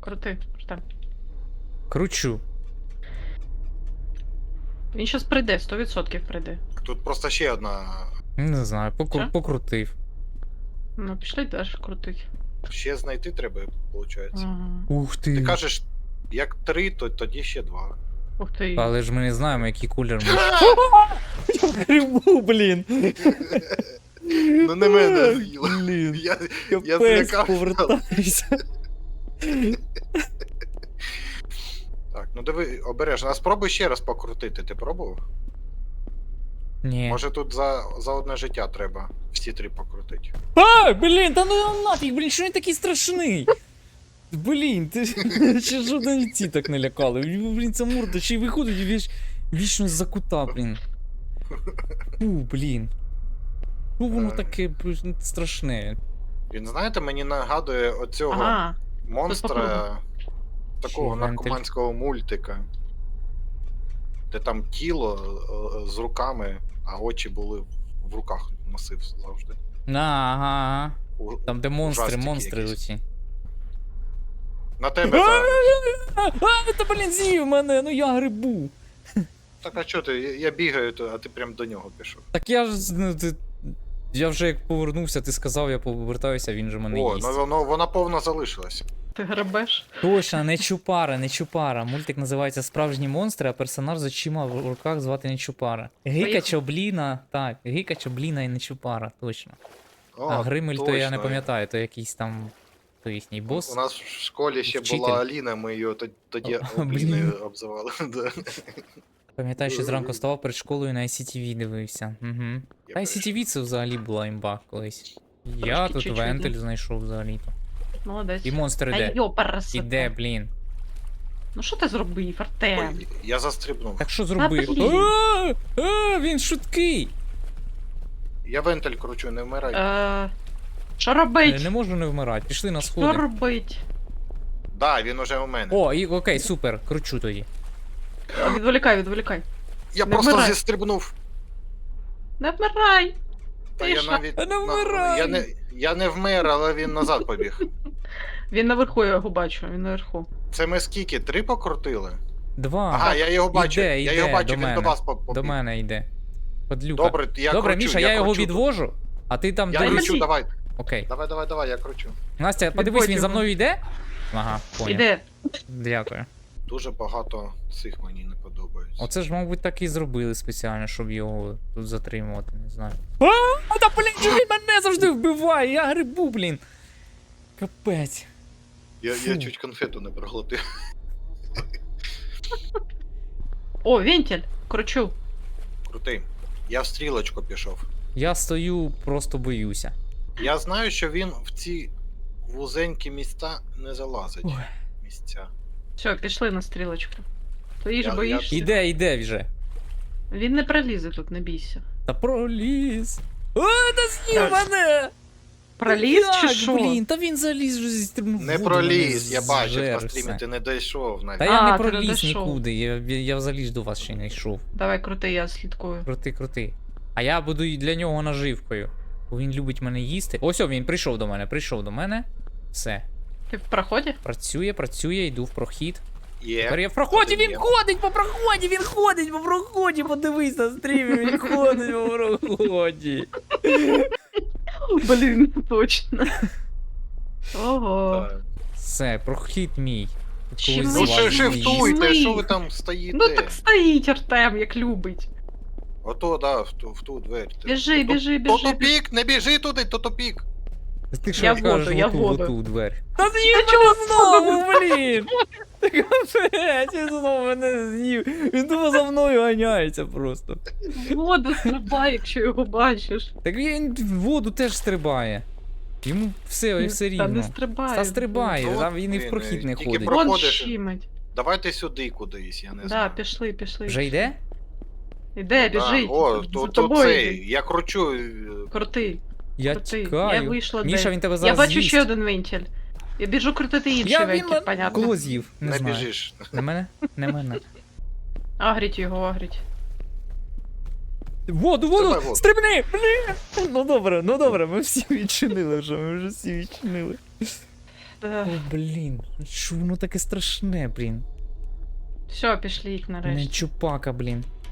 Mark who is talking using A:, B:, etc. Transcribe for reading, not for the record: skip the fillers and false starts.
A: Крути.
B: Кручу.
A: Він щас прийде, 100% прийде.
C: Тут просто ще одна.
B: Не знаю,
A: Що?
B: покрутив.
A: Ну, пішли далі крутить.
C: Ще знайти треба, виходить.
A: Ага.
B: Ух
C: Ти
B: ти.
C: кажеш, як 3, то тоді ще 2.
A: Ух ти.
B: Але ж ми не знаємо, який кулер ми. Я грибу, блін.
C: Ну не мене з'їла.
B: Блін.
C: Я
B: Капець,
C: злякався.
B: повертайся.
C: Так, ну диви, обережно. А спробуй ще раз покрутити, ти пробував?
B: Ні.
C: Може тут за одне життя треба всі 3 покрутити.
B: А, блін, та ну нафіг, блін, що він такий страшний? Блін, ти ще жодні ці так не лякали. Блін, ця морда ще й виходить вічно з-за кута, блін. Блін. Ну воно таке блін, страшне.
C: Він, знаєте, мені нагадує оцього
A: Ага.
C: монстра такого
B: Чи вентиль?
C: наркоманського мультика. Де там тіло з руками, а очі були в руках носив завжди.
B: Ага.
C: У-
B: Там де
C: ужастики
B: монстри
C: якісь.
B: оці.
C: На тебе зараз.
B: Та блін, з'їв мене, ну я грибу.
C: Так, а чо ти? Я бігаю, а ти прям до нього пішов.
B: Так я ж, ну ти... Я вже як повернувся, ти сказав, я повертаюся, він же мене
C: О,
B: їсть.
C: ну вона повна залишилась.
A: Ти гребеш?
B: Точно, не Чупара, не Чупара. Мультик називається Справжні монстри, а персонаж з очима в руках звати не Чупара. Гіка
A: Поїхали.
B: Чобліна, так, Гіка Чобліна і не Чупара, точно.
C: О,
B: А Гримель то я не
C: точно.
B: пам'ятаю, то якийсь там то їхній бос.
C: У нас в школі ще
B: Вчитель.
C: була Аліна, ми її тоді
B: О,
C: Аліною
B: блін.
C: обзивали. Да.
B: Пам'ятаю, що зранку вставав перед школою на ICTV дивився. Угу. Та ICTV це взагалі була імба колись. Я
A: Трошки
B: тут
A: чуть-чуть,
B: вентиль знайшов взагалі-то.
A: Молодець.
B: І монстр
A: Та
B: іде.
A: йоперсита.
B: Іде, блін.
A: Ну що ти зробив, Артем?
C: Ой, я застрибнув.
B: Так що зробив?
A: блін.
B: Він шуткий!
C: Я вентиль кручу, не вмирай.
A: Що робить?
B: Не можу не вмирати, пішли на
A: Що
B: сходи.
A: робить?
C: Да, він уже у мене.
B: О, і окей, супер, кручу тоді.
A: Відволікай.
C: Я
A: не
C: просто
A: вмирай.
C: зістрибнув.
A: Не вмирай!
C: Та
A: Ти
C: я
A: що?
C: навіть.
B: Не вмирай!
C: Я не вмер, але він назад побіг.
A: Він наверху, я його бачу, він наверху.
C: Це ми скільки? 3 покрутили?
B: Два.
C: Ага, я його бачу.
B: Іде,
C: Я його бачу,
B: до
C: він
B: мене.
C: до вас побіг.
B: До мене йде. Подлюка.
C: Добре, я
B: Добре,
C: кручу,
B: Міша, я його
C: кручу.
B: відвожу, а ти там
C: Я
B: дивись.
C: кручу, давай.
B: Окей.
C: Давай, я кручу.
B: Настя, подивись, він
A: Відводь
B: за
A: його.
B: мною йде? Ага, поняв.
A: Іде.
B: Дякую.
C: Дуже багато цих мені не подобається.
B: Оце ж, мабуть, так і зробили спеціально, щоб його тут затримувати, не знаю. Та блін, що він мене завжди вбиває, я грибу, блін. Капець.
C: Я
B: Фу.
C: чуть конфету не проглотив.
A: О, вентиль! Кручу.
C: Крутий. Я в стрілочку пішов.
B: Я стою, просто боюся.
C: Я знаю, що він в ці вузенькі місця не залазить.
B: Ой.
C: Місця.
A: Все, пішли на стрілочку. Ти ж
C: Я-
A: боїшся?
B: Іде вже.
A: Він не пролізе тут, не бійся.
B: Та проліз. Ой, та з'їв мене!
A: Проліз чи
B: Як,
A: що?
B: блін, та він заліз вже зістрибнув.
C: Не
B: воду,
C: проліз,
B: мене
C: я бачив
B: зжер
C: на стрімі,
B: все.
C: ти не дійшов навіть.
B: Та я не
A: А, ти не
B: проліз
A: дійшов.
B: нікуди, я взагалі ж до вас ще не йшов.
A: Давай крути, я слідкую.
B: Крути. А я буду і для нього наживкою. Бо він любить мене їсти. Ось о, він прийшов до мене. Все.
A: Ти в проході?
B: Працює, йду в прохід. Тепер
C: Є.
B: я в проході,
C: Один
B: він
C: є.
B: ходить по проході, подивись на стрімі, він ходить по проході.
A: Блін, точно. Ого.
C: Так.
B: Все, прохід мій. Тут
A: Чим
B: когось
C: Ну
B: з
A: ви
B: вас
C: шифтуйте,
A: Злий.
C: що ви там стоїте?
A: Ну так стоїть Артем, як любить.
C: Ото, да, в ту двері.
A: Біжи,
C: То-
A: біжи,
C: То
A: біжи.
C: тупік, не біжи туди, то тупік.
B: Ти що
A: Я в
B: кажеш,
A: воду, я в воду.
B: оту двері. Та з'їв мене знову, блін! Та капець, він знову мене з'їв. Він думав за мною ганяється просто.
A: Воду стрибай, якщо його бачиш.
B: Так він в воду теж стрибає. Йому все
A: Та не
B: рівно.
A: стрибай.
B: Та стрибає,
C: Ну,
B: там він і в
C: він,
B: прохід не
C: тільки
B: ходить.
C: про-
A: Вон
C: Проходиш.
A: щимить.
C: Давайте сюди кудись, я не
A: Да,
C: знаю.
A: пішли.
B: Вже йде?
A: Іде,
C: Да,
A: біжить.
C: О,
A: За
C: то
A: тобою
C: цей,
A: йде.
C: я кручу.
A: Крути.
B: Я
A: Крути. Я
B: тікаю.
A: вийшла
B: Міша,
A: де.
B: він тебе
A: Я
B: зараз
A: бачу
B: з'їсть.
A: ще один вентиль. Я біжу крутити інший
B: Він
A: вентиль, понятно.
B: кого з'їв? Не
C: Не
B: знаю.
C: біжиш.
B: На мене? Не мене.
A: Агріть його, агріть.
B: Воду!
C: Стрибай в воду.
B: Стрибни! Блін! Ну добре, ми всі відчинили вже, ми вже всі відчинили. О, блін. Що воно таке страшне, блін?
A: Все, пішліть
B: Не
A: нарешті.
B: чупака, блін.